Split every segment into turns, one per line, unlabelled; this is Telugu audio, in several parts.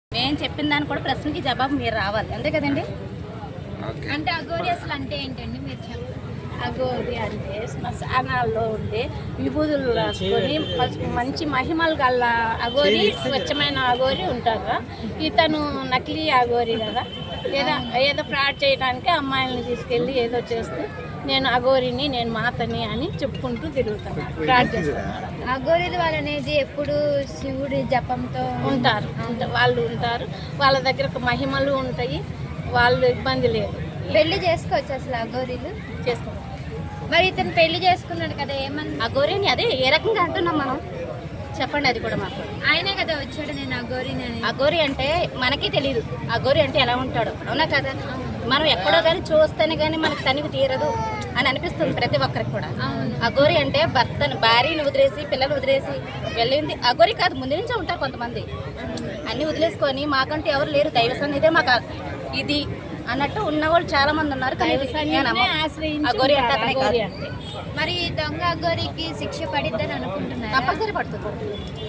నేను చెప్పిన దాన్ని కూడా ప్రశ్నకి జవాబు మీరు రావాలి, అంతే కదండి.
అంటే అఘోరి అసలు అంటే ఏంటండి మీరు చెప్పండి.
అఘోరి అంటే శ్మశానాల్లో ఉండే విభూతులు రాసుకొని మంచి మహిమలు గల అఘోరి, స్వచ్ఛమైన అఘోరి ఉంటారు. ఇతను నకిలీ అఘోరి కదా, ఏదో ఫ్రాడ్ చేయడానికి అమ్మాయిలను తీసుకెళ్ళి ఏదో చేస్తూ నేను అఘోరిని, నేను మాతని అని చెప్పుకుంటూ తిరుగుతాను, ఫ్రాడ్ చేస్తాను.
అఘోరీల వాళ్ళు అనేది ఎప్పుడు శివుడి జపంతో
ఉంటారు, వాళ్ళు ఉంటారు, వాళ్ళ దగ్గర మహిమలు ఉంటాయి, వాళ్ళు ఇబ్బంది లేదు.
పెళ్లి చేసుకోవచ్చు అసలు అఘోరీలు
చేసుకోవాలి.
మరి ఇతను పెళ్లి చేసుకున్నాడు కదా, ఏమన్నా
అఘోరిని అదే ఏ రకంగా అంటున్నాం మనం, చెప్పండి. అది కూడా మాకు
ఆయనే కదా వచ్చాడు నేను అఘోరిని అని.
అఘోరి అంటే మనకి తెలియదు అఘోరి అంటే ఎలా ఉంటాడు, అవునా కదా. మనం ఎక్కడో కానీ చూస్తేనే కానీ మనకు తనివి తీరదు అని అనిపిస్తుంది ప్రతి ఒక్కరికి కూడా. అఘోరి అంటే భార్యని వదిలేసి పిల్లలు వదిలేసి వెళ్ళింది అఘోరి కాదు. ముందు నుంచే ఉంటారు కొంతమంది, అన్ని వదిలేసుకొని మాకంటూ ఎవరు లేరు, దైవ సన్నిధే మాకు ఇది అన్నట్టు ఉన్న వాళ్ళు చాలా మంది ఉన్నారు. అఘోరి అంటే అతనే కాదు.
మరి దొంగ అఘోరికి శిక్ష పడిద్దని అనుకుంటున్నారు.
కంపల్సరీ పడుతుంది.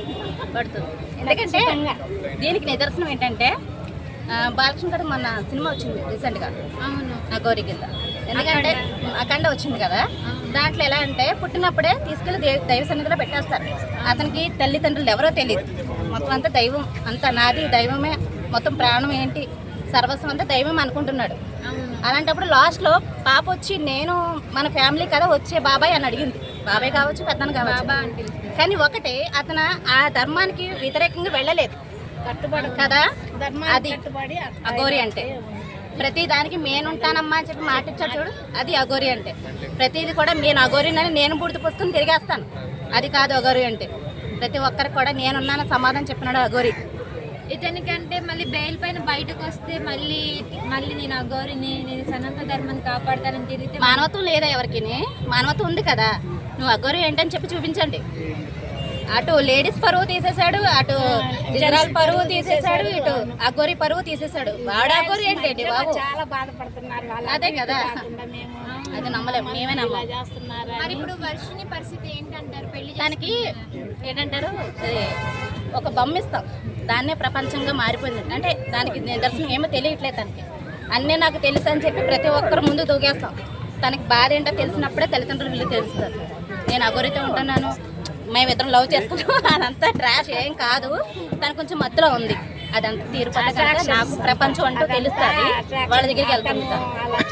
ఎందుకంటే దీనికి నిదర్శనం ఏంటంటే బాలకృష్ణ గారు మొన్న సినిమా వచ్చింది రీసెంట్గా,
అవును,
అఘోరి కింద. ఎందుకంటే అఖండ వచ్చింది కదా, దాంట్లో ఎలా అంటే పుట్టినప్పుడే తీసుకెళ్లి దైవ సన్నిధిలో పెట్టేస్తారు. అతనికి తల్లిదండ్రులు ఎవరో తెలియదు, మొత్తం అంతా దైవం, అంతా నాది దైవమే, మొత్తం ప్రాణం ఏంటి సర్వస్వం అంతా దైవం అనుకుంటున్నాడు. అలాంటప్పుడు లాస్ట్లో పాప వచ్చి నేను మన ఫ్యామిలీ కదా వచ్చే బాబాయ్ అని అడిగింది. బాబాయ్ కావచ్చు, పెద్దను కావచ్చు, కానీ ఒకటే అతను ఆ ధర్మానికి వ్యతిరేకంగా వెళ్ళలేదు, కట్టుబడి కదా. అది అఘోరి అంటే ప్రతి దానికి నేనుంటానమ్మా అని చెప్పి మాట ఇచ్చాడు చూడు, అది అఘోరి అంటే. ప్రతిది కూడా నేను అఘోరినని నేను బూడిద పుస్తకం తిరిగేస్తాను, అది కాదు అఘోరి అంటే. ప్రతి ఒక్కరికి కూడా నేనున్నాను సమాధానం చెప్పినాడు అఘోరి.
ఇతనికంటే మళ్ళీ బెయిల్ పైన బయటకు వస్తే మళ్ళీ నేను అఘోరిని, నేను సనాతన ధర్మాన్ని కాపాడతానని తిరిగితే
మానవత్వం లేదా ఎవరికి? మానవత్వం ఉంది కదా. నువ్వు అఘోరి ఏంటని చెప్పి చూపించండి. అటు లేడీస్ పరువు తీసేశాడు, అటు ఇజ్రాయల్ పరువు తీసేశాడు, ఇటు అఘోరి పరువు తీసేశాడు. వాడు అఘోరి ఏంటండి బాబు,
చాలా బాధపడుతున్నారు వాళ్ళు.
అదే కదా, అది నమ్మలేము, మేమే నమ్మలేము.
మరి ఇప్పుడు వర్షిని పరిస్థితి ఏంటంటారు? పెళ్లి
దానికి ఏంటంటారు, ఒక బొమ్మ ఇస్తాం, దాన్నే ప్రపంచంగా మారిపోయింది. అంటే దానికి నిదర్శనం ఏమో తెలియట్లేదు తనకి. అన్నీ నాకు తెలుసు అని చెప్పి ప్రతి ఒక్కరు ముందు దూకేస్తాం. తనకి బాధ ఏంటో తెలిసినప్పుడే తల్లిదండ్రులు వీళ్ళు తెలుస్తారు. నేను అఘోరితో ఉంటున్నాను, మేమిద్దరం లవ్ చేసుకున్నాం, అదంతా ట్రాష్ ఏం కాదు. తను కొంచెం మత్తులో ఉంది, అదంతా తీరుపడ్డ నాకు ప్రపంచం అంటూ తెలుస్తుంది, వాళ్ళ దగ్గరికి వెళ్తాను.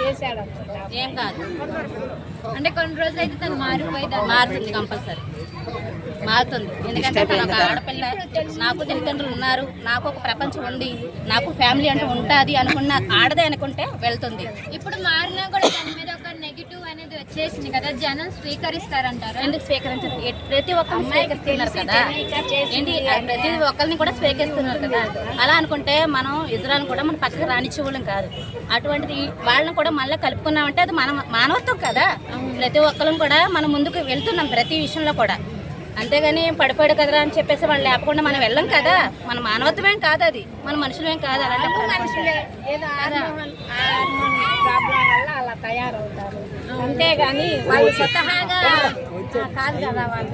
ఏం కాదు
అంటే కొన్ని రోజులు అయితే తను
మారుతుంది, కంపల్సరీ మారుతుంది. ఎందుకంటే తను ఒక ఆడపిల్ల, నాకు తల్లిదండ్రులు ఉన్నారు, నాకు ఒక ప్రపంచం ఉంది, నాకు ఫ్యామిలీ అంటూ ఉంటుంది అనుకున్న ఆడదే అనుకుంటే వెళ్తుంది.
ఇప్పుడు మారినా కూడా దాని మీద ఒక నెగిటివ్ అనేది వచ్చేసింది కదా, జనం స్వీకరిస్తారంటారు.
ఎందుకు స్వీకరించారు? ప్రతి ఒక్కరిని స్వీకరిస్తున్నారు కదా, ఏంటి ప్రతి ఒక్కరిని కూడా స్వీకరిస్తున్నారు కదా. అలా అనుకుంటే మనం ఇజ్రాయల్ కూడా మన పక్కన రానిచ్చేవాళ్ళం కాదు. అటువంటిది వాళ్ళని కూడా మళ్ళీ కలుపుకున్నామంటే అది మన మానవత్వం కదా. ప్రతి ఒక్కరం కూడా మనం ముందుకు వెళ్తున్నాం ప్రతి విషయంలో కూడా. అంతేగాని పడిపోయాడు కదరా అని చెప్పేసి వాళ్ళు లేకుండా మనం వెళ్ళం కదా. మన మానవత్వమేం కాదు, అది మన మనుషులేం కాదు. అలాంటి
మనుషులే ఏదో హార్మోన్ ప్రాబ్లం వల్ల అలా తయారవుతారు, అంతేగాని వాళ్ళు స్వతహాగా కాదు కదా వాళ్ళు.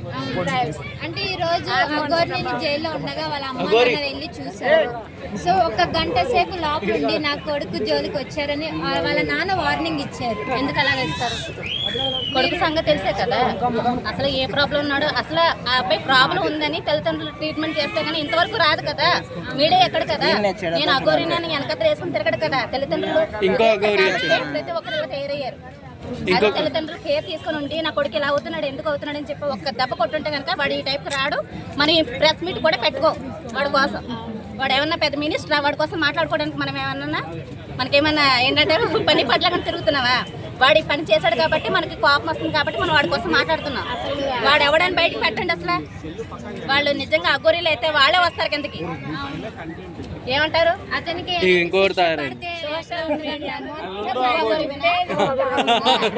అంటే ఈ రోజు అఘోరిని జైల్లో ఉండగా వాళ్ళ అమ్మ నాన్న వెళ్ళి చూశారు. సో ఒక గంట సేపు లోపల ఉండి నా కొడుకు జోలికి వచ్చారని వాళ్ళ నాన్న వార్నింగ్ ఇచ్చారు.
ఎందుకు అలాగ ఇస్తారు? కొడుకు సంగతి తెలిసే కదా అసలు ఏ ప్రాబ్లం ఉన్నాడో. అసలు ఆ అబ్బాయి ప్రాబ్లం ఉందని తల్లిదండ్రులు ట్రీట్మెంట్ చేస్తే కానీ ఇంతవరకు రాదు కదా, మీడియా ఎక్కడ కదా. నేను అఘోరినని వెనకత్ర వేసుకుని తిరగడు కదా తల్లిదండ్రులు. ప్రతి ఒక్కరు తయారయ్యారు. అదే తల్లిదండ్రులు కేర్ తీసుకుని ఉండి నా కొడుకు ఇలా అవుతున్నాడు, ఎందుకు అవుతున్నాడు అని చెప్పి ఒక్క దెబ్బ కొట్టుంటే కనుక వాడు ఈ టైప్కి రాడు. మనం ఈ ప్రెస్ మీట్ కూడా పెట్టుకో వాడి కోసం. వాడు ఏమన్నా పెద్ద మినిస్టర్, వాడి కోసం మాట్లాడుకోవడానికి మనం ఏమన్నా మనకేమన్నా ఏంటంటే పని పట్ల తిరుగుతున్నావా? వాడి పని చేశాడు కాబట్టి మనకి కోపం వస్తుంది కాబట్టి మనం వాడి కోసం మాట్లాడుతున్నాం. వాడు ఎవడని బయటకు పెట్టండి. అసలు వాళ్ళు నిజంగా అఘోరీలు అయితే వాళ్ళే వస్తారు కిందకి. ఏమంటారు?
అతనికి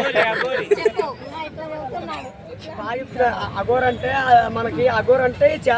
అఘోర్ అంటే మనకి అఘోర్ అంటే